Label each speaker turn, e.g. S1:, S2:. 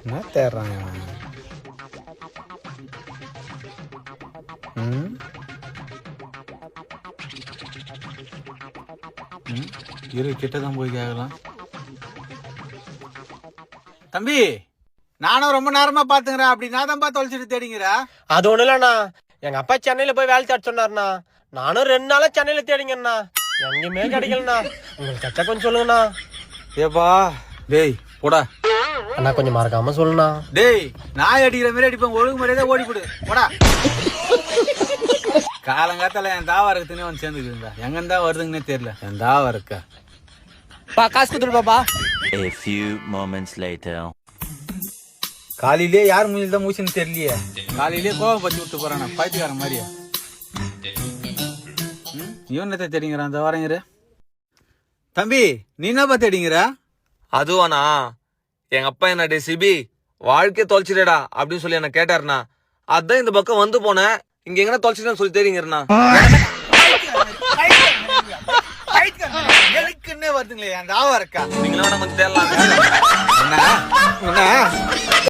S1: என்ன தேடுறான் இரு கிட்டதான் போய் கேட்கலாம். தம்பி நானும் ரொம்ப நேரமா பாத்துக்கிறேன். அப்படி நான் தான் பார்த்து தொலைச்சிட்டு தேடிங்கிற.
S2: அது ஒண்ணு இல்லண்ணா, எங்க அப்பா சென்னையில போய் வேலை தேட சொன்னாருண்ணா. நானும் 2 நாளா சென்னையில தேடிங்கண்ணா, எங்கேயுமே கிடைக்கலண்ணா. உங்களுக்கு கச்சா கொஞ்சம் சொல்லுங்கண்ணா.
S1: ஏப்பா டேய் போடா
S2: அண்ணா, கொஞ்சம் மறக்காம சொல்லுண்ணா.
S1: டேய் நாய் அடிக்கிற மாதிரி அடிப்பேன், ஒழுங்கு முறையதான் ஓடி போடு போடா. காலங்காத்தால என் தாவா இருக்குதுன்னே வந்து சேர்ந்துக்குதுங்க. எங்க இருந்தா வருதுங்கன்னே தெரியல. என் தாவா இருக்கா
S2: காசு கொடுத்துரு பாப்பா.
S3: A few moments later.
S1: காலையிலே யார் மூஞ்சில் தான் மூச்சுன்னு தெரியலையே. காலையிலே கோவம் பத்தி விட்டு போறானா பைத்தியக்காரன் மாதிரியா. இவனத்தை தேடிங்கிறான். அந்த வரங்கிற தம்பி நீ என்னப்பா தேடிங்கிற?
S4: அதுவாண்ணா, எங்க அப்பா என்ன சிபி வாழ்க்கைய தொலைச்சிடா அப்படின்னு சொல்லி என்ன கேட்டாருண்ணா. அதான் இந்த பக்கம் வந்து போனேன். இங்க எங்கன்னா தொலைச்சிட்டேன்னு சொல்லி தெரியுங்கண்ணா.
S1: வருதுங்களே அந்த ஆவா இருக்கா.
S4: நீங்களும் கொஞ்சம் தேடலாம்.
S1: என்ன